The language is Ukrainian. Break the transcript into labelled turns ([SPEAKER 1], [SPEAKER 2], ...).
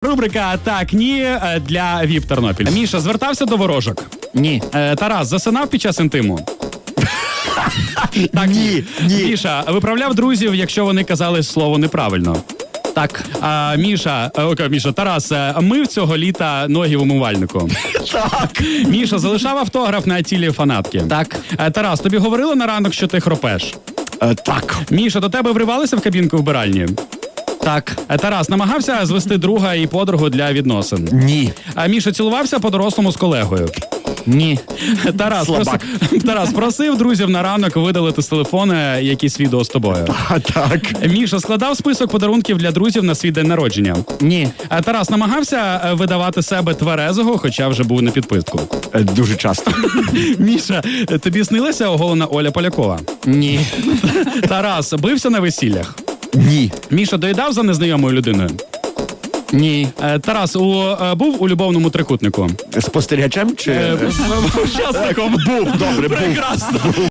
[SPEAKER 1] Рубрика «Так, ні» для ВІП Тернопіль. Міша, звертався до ворожок?
[SPEAKER 2] Ні.
[SPEAKER 1] Тарас, засинав під час інтиму? Так,
[SPEAKER 2] Ні.
[SPEAKER 1] Міша, виправляв друзів, якщо вони казали слово неправильно?
[SPEAKER 2] Так.
[SPEAKER 1] Міша, Тарас, мив цього літа ноги в умивальнику?
[SPEAKER 2] Так.
[SPEAKER 1] Міша, залишав автограф на тілі фанатки?
[SPEAKER 2] Так.
[SPEAKER 1] Тарас, тобі говорили на ранок, що ти хропеш?
[SPEAKER 2] Так.
[SPEAKER 1] Міша, до тебе вривалися в кабінку вбиральні?
[SPEAKER 2] Так.
[SPEAKER 1] Тарас, намагався звести друга і подругу для відносин?
[SPEAKER 2] Ні.
[SPEAKER 1] Міша, цілувався по-дорослому з колегою?
[SPEAKER 2] Ні.
[SPEAKER 1] Тарас просив друзів на ранок видалити з телефону якісь відео з тобою?
[SPEAKER 2] Так.
[SPEAKER 1] Міша, складав список подарунків для друзів на свій день народження?
[SPEAKER 2] Ні.
[SPEAKER 1] Тарас, намагався видавати себе тверезого, хоча вже був на підписку?
[SPEAKER 2] Дуже часто.
[SPEAKER 1] Міша, тобі снилася оголена Оля Полякова?
[SPEAKER 2] Ні.
[SPEAKER 1] Тарас, бився на весіллях?
[SPEAKER 2] Ні.
[SPEAKER 1] Міша, доїдав за незнайомою людиною?
[SPEAKER 2] Ні.
[SPEAKER 1] Тарас, був у любовному трикутнику?
[SPEAKER 2] Спостерігачем чи...
[SPEAKER 1] Учасником.
[SPEAKER 2] Був, добре, був.
[SPEAKER 1] Прекрасно.